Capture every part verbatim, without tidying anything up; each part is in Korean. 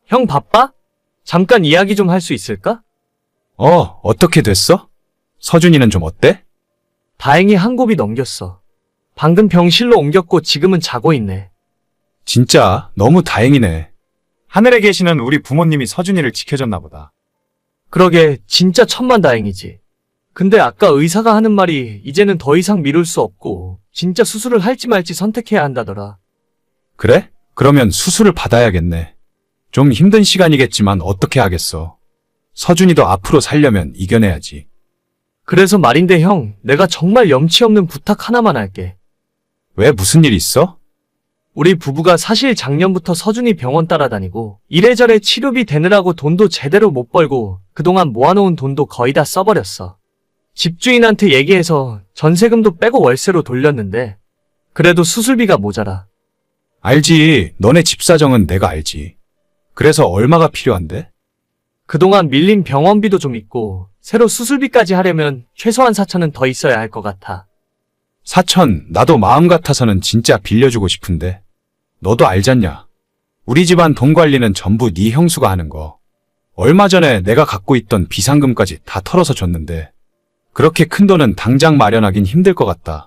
형 바빠? 잠깐 이야기 좀 할 수 있을까? 어, 어떻게 됐어? 서준이는 좀 어때? 다행히 한 곱이 넘겼어. 방금 병실로 옮겼고 지금은 자고 있네. 진짜 너무 다행이네. 하늘에 계시는 우리 부모님이 서준이를 지켜줬나 보다. 그러게 진짜 천만다행이지. 근데 아까 의사가 하는 말이 이제는 더 이상 미룰 수 없고 진짜 수술을 할지 말지 선택해야 한다더라. 그래? 그러면 수술을 받아야겠네. 좀 힘든 시간이겠지만 어떻게 하겠어. 서준이도 앞으로 살려면 이겨내야지. 그래서 말인데 형, 내가 정말 염치 없는 부탁 하나만 할게. 왜 무슨 일 있어? 우리 부부가 사실 작년부터 서준이 병원 따라다니고 이래저래 치료비 대느라고 돈도 제대로 못 벌고 그동안 모아놓은 돈도 거의 다 써버렸어. 집주인한테 얘기해서 전세금도 빼고 월세로 돌렸는데 그래도 수술비가 모자라. 알지. 너네 집 사정은 내가 알지. 그래서 얼마가 필요한데? 그동안 밀린 병원비도 좀 있고 새로 수술비까지 하려면 최소한 사천은 더 있어야 할 것 같아. 사천, 나도 마음 같아서는 진짜 빌려주고 싶은데. 너도 알잖냐. 우리 집안 돈 관리는 전부 네 형수가 하는 거. 얼마 전에 내가 갖고 있던 비상금까지 다 털어서 줬는데 그렇게 큰 돈은 당장 마련하긴 힘들 것 같다.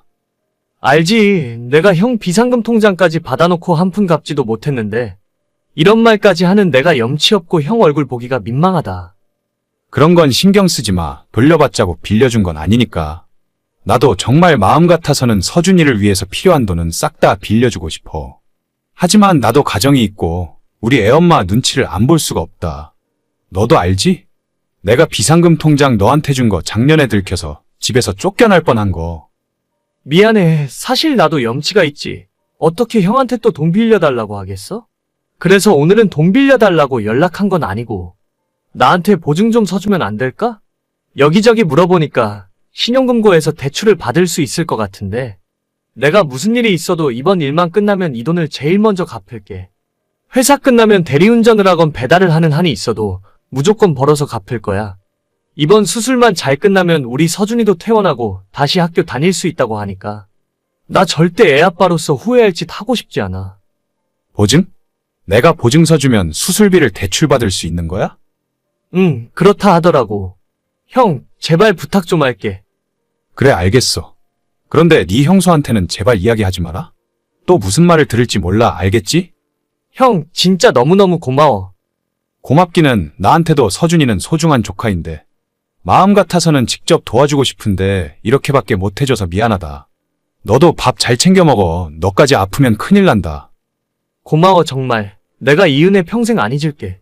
알지. 내가 형 비상금 통장까지 받아놓고 한 푼 갚지도 못했는데 이런 말까지 하는 내가 염치 없고 형 얼굴 보기가 민망하다. 그런 건 신경 쓰지 마. 돌려받자고 빌려준 건 아니니까. 나도 정말 마음 같아서는 서준이를 위해서 필요한 돈은 싹 다 빌려주고 싶어. 하지만 나도 가정이 있고 우리 애엄마 눈치를 안 볼 수가 없다. 너도 알지? 내가 비상금 통장 너한테 준 거 작년에 들켜서 집에서 쫓겨날 뻔한 거. 미안해. 사실 나도 염치가 있지. 어떻게 형한테 또 돈 빌려달라고 하겠어? 그래서 오늘은 돈 빌려달라고 연락한 건 아니고 나한테 보증 좀 서주면 안 될까? 여기저기 물어보니까 신용금고에서 대출을 받을 수 있을 것 같은데 내가 무슨 일이 있어도 이번 일만 끝나면 이 돈을 제일 먼저 갚을게. 회사 끝나면 대리운전을 하건 배달을 하는 한이 있어도 무조건 벌어서 갚을 거야. 이번 수술만 잘 끝나면 우리 서준이도 퇴원하고 다시 학교 다닐 수 있다고 하니까 나 절대 애 아빠로서 후회할 짓 하고 싶지 않아. 보증? 내가 보증서 주면 수술비를 대출받을 수 있는 거야? 응, 그렇다 하더라고. 형, 제발 부탁 좀 할게. 그래, 알겠어. 그런데 네 형수한테는 제발 이야기하지 마라. 또 무슨 말을 들을지 몰라, 알겠지? 형, 진짜 너무너무 고마워. 고맙기는. 나한테도 서준이는 소중한 조카인데 마음 같아서는 직접 도와주고 싶은데 이렇게밖에 못해줘서 미안하다. 너도 밥 잘 챙겨 먹어. 너까지 아프면 큰일 난다. 고마워 정말. 내가 이 은혜 평생 안 잊을게.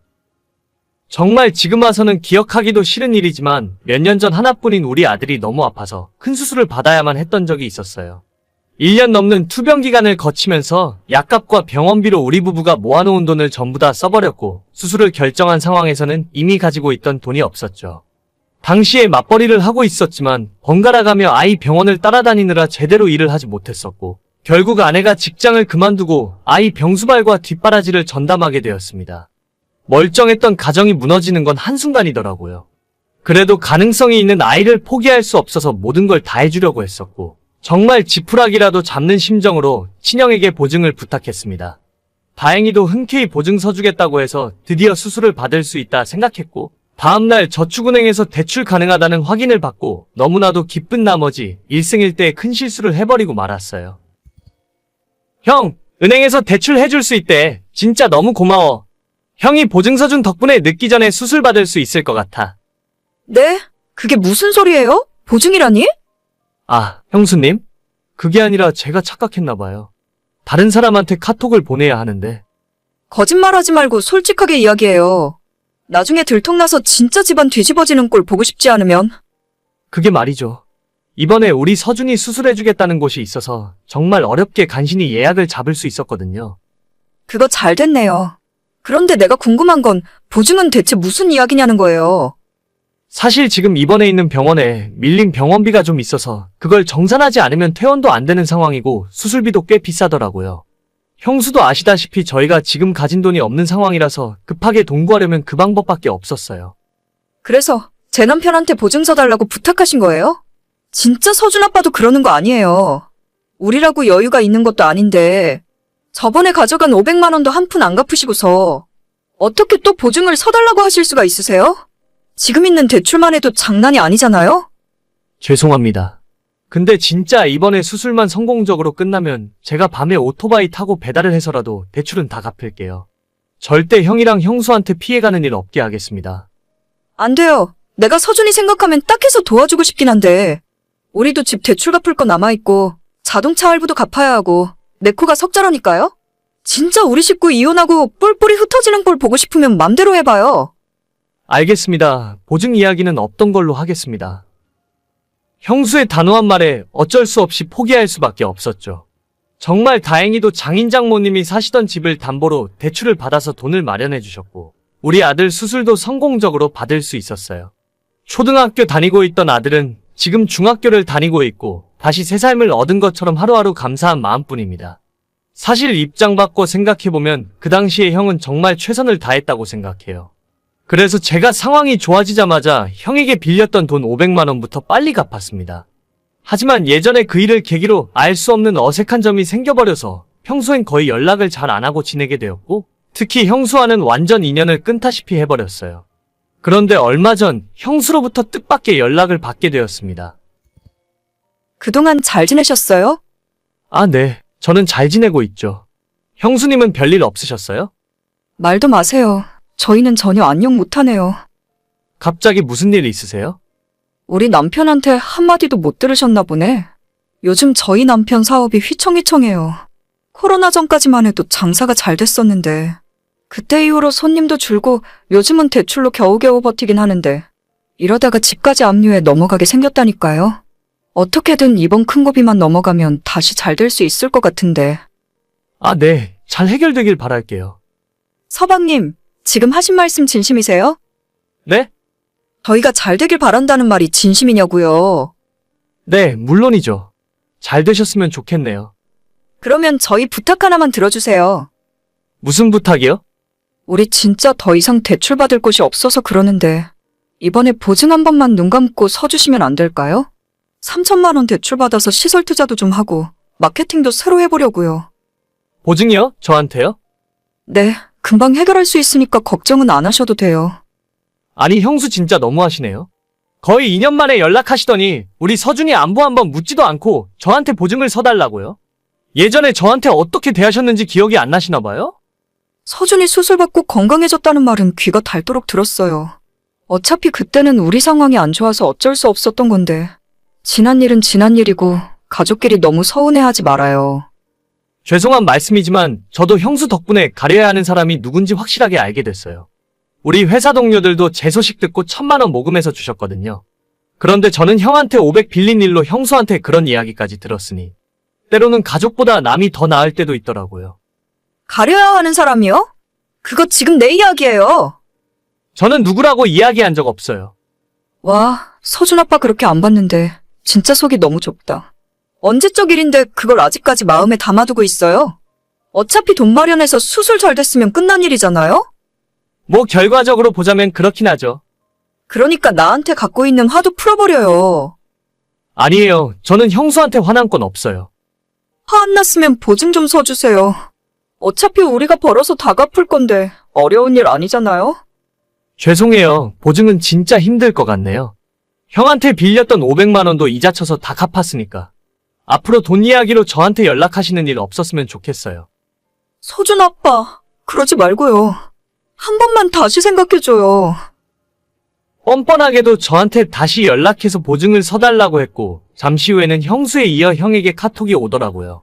정말 지금 와서는 기억하기도 싫은 일이지만 몇 년 전 하나뿐인 우리 아들이 너무 아파서 큰 수술을 받아야만 했던 적이 있었어요. 일 년 넘는 투병 기간을 거치면서 약값과 병원비로 우리 부부가 모아놓은 돈을 전부 다 써버렸고 수술을 결정한 상황에서는 이미 가지고 있던 돈이 없었죠. 당시에 맞벌이를 하고 있었지만 번갈아가며 아이 병원을 따라다니느라 제대로 일을 하지 못했었고 결국 아내가 직장을 그만두고 아이 병수발과 뒷바라지를 전담하게 되었습니다. 멀쩡했던 가정이 무너지는 건 한순간이더라고요. 그래도 가능성이 있는 아이를 포기할 수 없어서 모든 걸 다 해주려고 했었고 정말 지푸라기라도 잡는 심정으로 친형에게 보증을 부탁했습니다. 다행히도 흔쾌히 보증서 주겠다고 해서 드디어 수술을 받을 수 있다 생각했고 다음날 저축은행에서 대출 가능하다는 확인을 받고 너무나도 기쁜 나머지 일승일대의 큰 실수를 해버리고 말았어요. 형, 은행에서 대출 해줄 수 있대. 진짜 너무 고마워. 형이 보증서 준 덕분에 늦기 전에 수술 받을 수 있을 것 같아. 네? 그게 무슨 소리예요? 보증이라니? 아, 형수님? 그게 아니라 제가 착각했나봐요. 다른 사람한테 카톡을 보내야 하는데. 거짓말하지 말고 솔직하게 이야기해요. 나중에 들통나서 진짜 집안 뒤집어지는 꼴 보고 싶지 않으면. 그게 말이죠. 이번에 우리 서준이 수술해주겠다는 곳이 있어서 정말 어렵게 간신히 예약을 잡을 수 있었거든요. 그거 잘 됐네요. 그런데 내가 궁금한 건 보증은 대체 무슨 이야기냐는 거예요. 사실 지금 입원해 있는 병원에 밀린 병원비가 좀 있어서 그걸 정산하지 않으면 퇴원도 안 되는 상황이고 수술비도 꽤 비싸더라고요. 형수도 아시다시피 저희가 지금 가진 돈이 없는 상황이라서 급하게 돈 구하려면 그 방법밖에 없었어요. 그래서 제 남편한테 보증서 달라고 부탁하신 거예요? 진짜 서준 아빠도 그러는 거 아니에요. 우리라고 여유가 있는 것도 아닌데 저번에 가져간 오백만 원도 한 푼 안 갚으시고서 어떻게 또 보증을 서달라고 하실 수가 있으세요? 지금 있는 대출만 해도 장난이 아니잖아요? 죄송합니다. 근데 진짜 이번에 수술만 성공적으로 끝나면 제가 밤에 오토바이 타고 배달을 해서라도 대출은 다 갚을게요. 절대 형이랑 형수한테 피해가는 일 없게 하겠습니다. 안 돼요. 내가 서준이 생각하면 딱해서 도와주고 싶긴 한데 우리도 집 대출 갚을 거 남아있고 자동차 할부도 갚아야 하고 내 코가 석자라니까요? 진짜 우리 식구 이혼하고 뿔뿔이 흩어지는 꼴 보고 싶으면 맘대로 해봐요. 알겠습니다. 보증 이야기는 없던 걸로 하겠습니다. 형수의 단호한 말에 어쩔 수 없이 포기할 수밖에 없었죠. 정말 다행히도 장인 장모님이 사시던 집을 담보로 대출을 받아서 돈을 마련해 주셨고 우리 아들 수술도 성공적으로 받을 수 있었어요. 초등학교 다니고 있던 아들은 지금 중학교를 다니고 있고 다시 새 삶을 얻은 것처럼 하루하루 감사한 마음뿐입니다. 사실 입장 바꿔 생각해보면 그 당시에 형은 정말 최선을 다했다고 생각해요. 그래서 제가 상황이 좋아지자마자 형에게 빌렸던 돈 오백만 원부터 빨리 갚았습니다. 하지만 예전에 그 일을 계기로 알 수 없는 어색한 점이 생겨버려서 평소엔 거의 연락을 잘 안 하고 지내게 되었고 특히 형수와는 완전 인연을 끊다시피 해버렸어요. 그런데 얼마 전 형수로부터 뜻밖의 연락을 받게 되었습니다. 그동안 잘 지내셨어요? 아, 네. 저는 잘 지내고 있죠. 형수님은 별일 없으셨어요? 말도 마세요. 저희는 전혀 안녕 못하네요. 갑자기 무슨 일 있으세요? 우리 남편한테 한마디도 못 들으셨나 보네. 요즘 저희 남편 사업이 휘청휘청해요. 코로나 전까지만 해도 장사가 잘 됐었는데 그때 이후로 손님도 줄고 요즘은 대출로 겨우겨우 버티긴 하는데 이러다가 집까지 압류해 넘어가게 생겼다니까요. 어떻게든 이번 큰 고비만 넘어가면 다시 잘 될 수 있을 것 같은데. 아, 네. 잘 해결되길 바랄게요. 서방님, 지금 하신 말씀 진심이세요? 네? 저희가 잘 되길 바란다는 말이 진심이냐고요. 네, 물론이죠. 잘 되셨으면 좋겠네요. 그러면 저희 부탁 하나만 들어주세요. 무슨 부탁이요? 우리 진짜 더 이상 대출 받을 곳이 없어서 그러는데 이번에 보증 한 번만 눈 감고 서주시면 안 될까요? 삼천만 원 대출 받아서 시설 투자도 좀 하고 마케팅도 새로 해보려고요. 보증이요? 저한테요? 네, 금방 해결할 수 있으니까 걱정은 안 하셔도 돼요. 아니, 형수 진짜 너무하시네요. 거의 이 년 만에 연락하시더니 우리 서준이 안부 한번 묻지도 않고 저한테 보증을 서달라고요? 예전에 저한테 어떻게 대하셨는지 기억이 안 나시나 봐요? 서준이 수술받고 건강해졌다는 말은 귀가 닳도록 들었어요. 어차피 그때는 우리 상황이 안 좋아서 어쩔 수 없었던 건데 지난 일은 지난 일이고 가족끼리 너무 서운해하지 말아요. 죄송한 말씀이지만 저도 형수 덕분에 가려야 하는 사람이 누군지 확실하게 알게 됐어요. 우리 회사 동료들도 제 소식 듣고 천만 원 모금해서 주셨거든요. 그런데 저는 형한테 오백 빌린 일로 형수한테 그런 이야기까지 들었으니 때로는 가족보다 남이 더 나을 때도 있더라고요. 가려야 하는 사람이요? 그거 지금 내 이야기예요. 저는 누구라고 이야기한 적 없어요. 와, 서준 아빠 그렇게 안 봤는데 진짜 속이 너무 좁다. 언제적 일인데 그걸 아직까지 마음에 담아두고 있어요? 어차피 돈 마련해서 수술 잘 됐으면 끝난 일이잖아요? 뭐 결과적으로 보자면 그렇긴 하죠. 그러니까 나한테 갖고 있는 화도 풀어버려요. 아니에요. 저는 형수한테 화난 건 없어요. 화 안 났으면 보증 좀 서주세요. 어차피 우리가 벌어서 다 갚을 건데 어려운 일 아니잖아요? 죄송해요. 보증은 진짜 힘들 것 같네요. 형한테 빌렸던 오백만 원도 이자 쳐서 다 갚았으니까. 앞으로 돈 이야기로 저한테 연락하시는 일 없었으면 좋겠어요. 서준 아빠, 그러지 말고요. 한 번만 다시 생각해줘요. 뻔뻔하게도 저한테 다시 연락해서 보증을 서달라고 했고 잠시 후에는 형수에 이어 형에게 카톡이 오더라고요.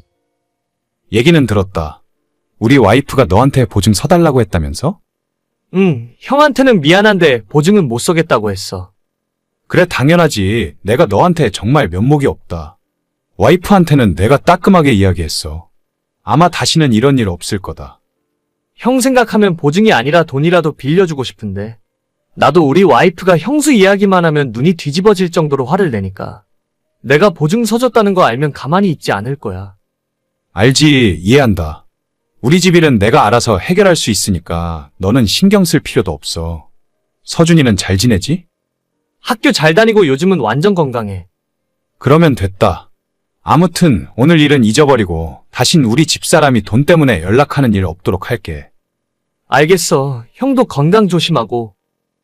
얘기는 들었다. 우리 와이프가 너한테 보증 서달라고 했다면서? 응, 형한테는 미안한데 보증은 못 서겠다고 했어. 그래, 당연하지. 내가 너한테 정말 면목이 없다. 와이프한테는 내가 따끔하게 이야기했어. 아마 다시는 이런 일 없을 거다. 형 생각하면 보증이 아니라 돈이라도 빌려주고 싶은데 나도 우리 와이프가 형수 이야기만 하면 눈이 뒤집어질 정도로 화를 내니까 내가 보증 서줬다는 거 알면 가만히 있지 않을 거야. 알지, 이해한다. 우리 집 일은 내가 알아서 해결할 수 있으니까 너는 신경 쓸 필요도 없어. 서준이는 잘 지내지? 학교 잘 다니고 요즘은 완전 건강해. 그러면 됐다. 아무튼 오늘 일은 잊어버리고 다신 우리 집사람이 돈 때문에 연락하는 일 없도록 할게. 알겠어. 형도 건강 조심하고.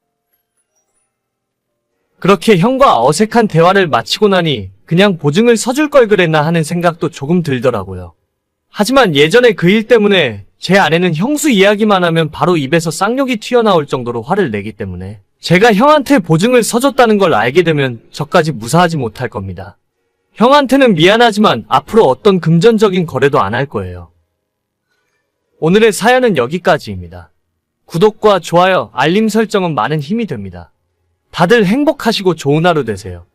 그렇게 형과 어색한 대화를 마치고 나니 그냥 보증을 서줄 걸 그랬나 하는 생각도 조금 들더라고요. 하지만 예전에 그 일 때문에 제 아내는 형수 이야기만 하면 바로 입에서 쌍욕이 튀어나올 정도로 화를 내기 때문에 제가 형한테 보증을 서줬다는 걸 알게 되면 저까지 무사하지 못할 겁니다. 형한테는 미안하지만 앞으로 어떤 금전적인 거래도 안 할 거예요. 오늘의 사연은 여기까지입니다. 구독과 좋아요, 알림 설정은 많은 힘이 됩니다. 다들 행복하시고 좋은 하루 되세요.